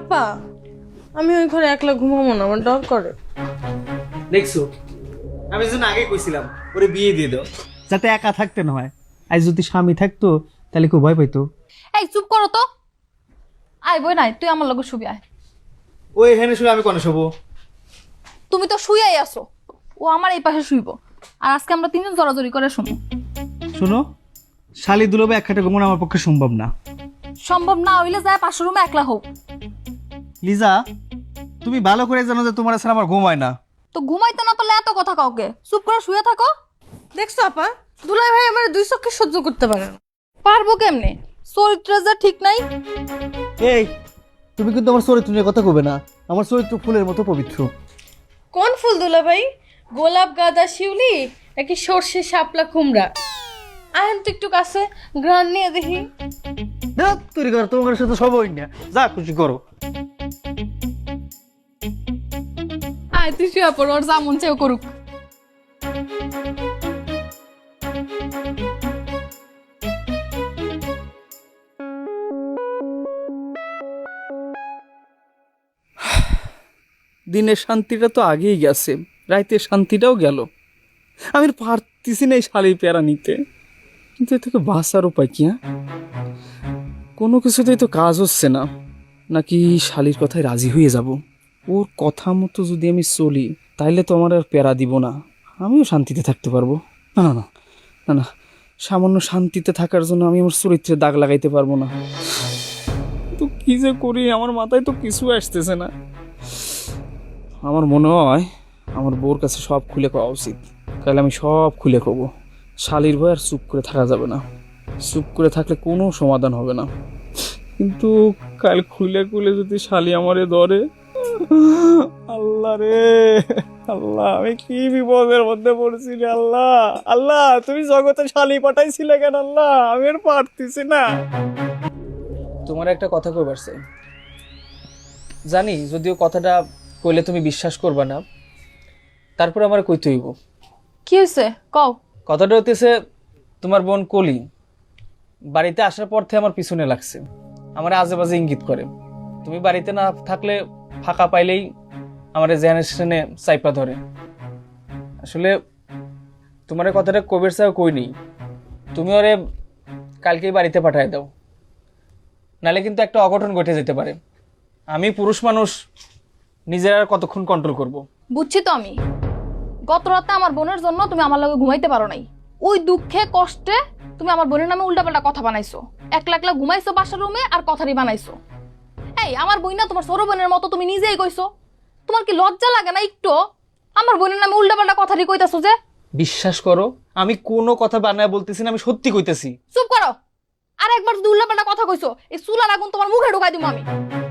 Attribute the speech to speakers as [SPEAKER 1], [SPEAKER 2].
[SPEAKER 1] আপা আমি ওই ঘরে একলা ঘুমাবো না, আমার ডর করে।
[SPEAKER 2] দেখছো, আমি যেন আগে কইছিলাম ওরে বিয়ে দিয়ে দাও, যাতে একা থাকতে না হয়। আজ যদি স্বামী থাকতো তাহলে কেউ ভয় পাইতো।
[SPEAKER 3] এই চুপ করো তো, আয় বই নাই, তুই আমার লগে শুবি আয়।
[SPEAKER 2] ও এখানে শুয়ে আমি কোনে শোবো?
[SPEAKER 3] তুমি তো শুয়াই আসো, ও আমার এই পাশে শুইব, আর আজকে আমরা তিনজন জড়াজড়ি করে শুনবো।
[SPEAKER 2] শোনো, শালি দুলবে এক খাটে ঘুমানো আমার পক্ষে সম্ভব না।
[SPEAKER 3] সম্ভব না হইলে যায় পাশের রুমে একলা হোক।
[SPEAKER 2] লিজা, তুমি ভালো করে জানো যে তোমার ছাড়া আমার ঘুম হয় না।
[SPEAKER 3] তো ঘুমাইতে না পারলে এত কথা কাউকে, চুপ করে শুয়ে থাকো।
[SPEAKER 1] দেখছো আপা, দুলাই ভাই আমার দুই চোখে সহ্য করতে পারে না।
[SPEAKER 3] পারবো কেমনে, চরিত্র যা ঠিক নাই।
[SPEAKER 2] এই, তুমি কিন্তু আমার চরিত্র নিয়ে কথা কবে না। আমার চরিত্র ফুলের মতো পবিত্র।
[SPEAKER 1] কোন ফুল দুলা ভাই? গোলাপ, গাঁদা, শিউলি নাকি সর্ষে, শাপলা, কুমড়া? আহেন তো একটু কাছে, গ্রান নিয়ে দেখি।
[SPEAKER 2] তৈরি করো, তোমার সাথে সব হই না, যা খুশি করো।
[SPEAKER 3] আয় তুই শুয়ে পড়, ওর যা মন চাও করুক।
[SPEAKER 4] দিনের শান্তিটা তো আগেই গেছে, রাইতের শান্তিটাও গেল। আমি আর পারতেছি না এই শালির প্যারা নিতে, কিন্তু এ থেকে বাঁচার উপায় কি? হ্যাঁ, কোনো কিছুতেই তো কাজ হচ্ছে না। নাকি শালির কথায় রাজি হয়ে যাব? ওর কথা মতো যদি আমি চলি তাইলে তো আমার আর প্যারা দিব না, আমিও শান্তিতে থাকতে পারবো। না না না না না, সামান্য শান্তিতে থাকার জন্য আমি আমার চরিত্রে দাগ লাগাইতে পারবো না। তো কি যে করি, আমার মাথায় তো কিছু আসতেছে না। আমার মনে হয় আমার বউর কাছে সব খুলে খাওয়া উচিত। তাহলে আমি সব খুলে খাবো, শালির ভয় আর চুপ করে থাকা যাবে না। চুপ করে থাকলে কোনো সমাধান হবে না। কিন্তু কাল খুলে খুলে যদি শালি আমারে ধরে, আল্লাহ রে আল্লাহ, আমি কি বিপদের মধ্যে পড়ছি রে আল্লাহ। আল্লাহ, তুমি জগতে শালি পাঠাইছিলে কেন আল্লাহ? আমি আর পারতেছি না। তোমার একটা কথা কইবার চাই, জানি যদিও কথাটা কইলে তুমি বিশ্বাস করবা না, তারপর আমার কইতে হইব।
[SPEAKER 3] কি হয়েছে কও?
[SPEAKER 4] কথাটা হইতেছে, তোমার বোন কলি বাড়িতে আসার পর থেকে আমার পিছনে লাগছে, আমার আজে বাজে ইঙ্গিত করে। তুমি বাড়িতে না থাকলে ফাঁকা পাইলেই আমার জেনারেশনে চাইপা ধরে। আসলে তোমার কথাটা কবির সাহেব কই নেই, তুমি ওরে কালকেই বাড়িতে পাঠায় দাও, নালে কিন্তু একটা অঘটন ঘটে যেতে পারে। আমি পুরুষ মানুষ, নিজের আর কতক্ষণ কন্ট্রোল করব?
[SPEAKER 3] বুঝছি তো আমি, গত রাতে আমার বোনের জন্য তুমি আমার লগে ঘুমাইতে পারো নাই। ওই দুঃখে কষ্টে তুমি আমার বোনের নামে উল্টাপাল্টা কথা বানাইছো, একলা একলা ঘুমাইছো বাসার রুমে আর কথারই বানাইছো। এই আমার বই না তোমার ছোট বোনের মতো, তুমি নিজেই কইছো। তোমার কি লজ্জা লাগে না একটু? আমার বোনের নামে উল্টাপাল্টা কথারই কইতাছো যে।
[SPEAKER 4] বিশ্বাস করো, আমি কোনো কথা বানায় বলতেছি না, আমি সত্যি কইতেছি।
[SPEAKER 3] চুপ করো, আর একবার যদি উল্টাপাল্টা কথা কইছো এই চুলার আগুন তোমার মুখে ঢুকাই দিবো আমি।